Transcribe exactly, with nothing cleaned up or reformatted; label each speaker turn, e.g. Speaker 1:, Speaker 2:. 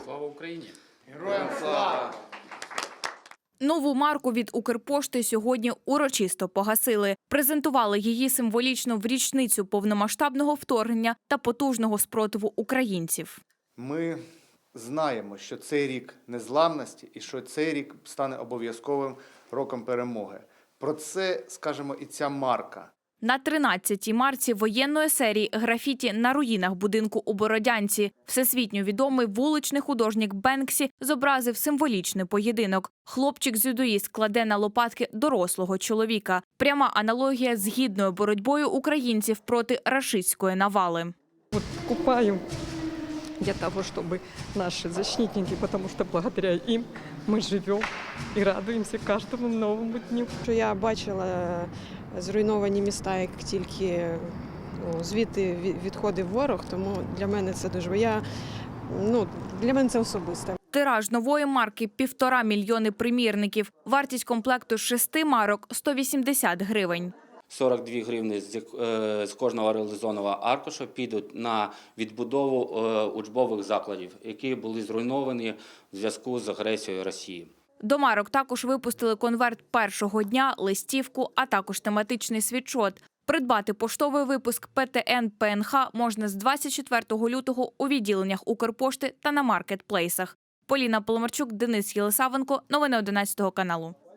Speaker 1: Слава Україні!
Speaker 2: Героям слава!
Speaker 3: Нову марку від Укрпошти сьогодні урочисто погасили. Презентували її символічно в річницю повномасштабного вторгнення та потужного спротиву українців.
Speaker 2: Ми знаємо, що цей рік незламності і що цей рік стане обов'язковим роком перемоги. Про це, скажемо, і ця марка.
Speaker 3: На тринадцятій марці воєнної серії графіті на руїнах будинку у Бородянці всесвітньо відомий вуличний художник Бенксі зобразив символічний поєдинок. Хлопчик-дзюдоїст кладе на лопатки дорослого чоловіка. Пряма аналогія з гідною боротьбою українців проти рашистської навали.
Speaker 4: Вот купаю для того, чтобы наши защитники, потому что благодаря им мы живем и радуемся каждому новому дню.
Speaker 5: Що я бачила зруйновані міста, як тільки ну, звідти відходив ворог, тому для мене це дуже я, ну, для мене це особисто.
Speaker 3: Тираж нової марки – півтора мільйони примірників. Вартість комплекту з шести марок – сто вісімдесят гривень.
Speaker 1: сорок дві гривні з, е, з кожного реалізованого аркуша підуть на відбудову е, учбових закладів, які були зруйновані в зв'язку з агресією Росії.
Speaker 3: До марок також випустили конверт першого дня, листівку, а також тематичний світшот. Придбати поштовий випуск Пе Те Ен Пе Ен Ха можна з двадцять четвертого лютого у відділеннях Укрпошти та на маркетплейсах. Поліна Поломарчук, Денис Єлисавенко. Новини одинадцятого каналу.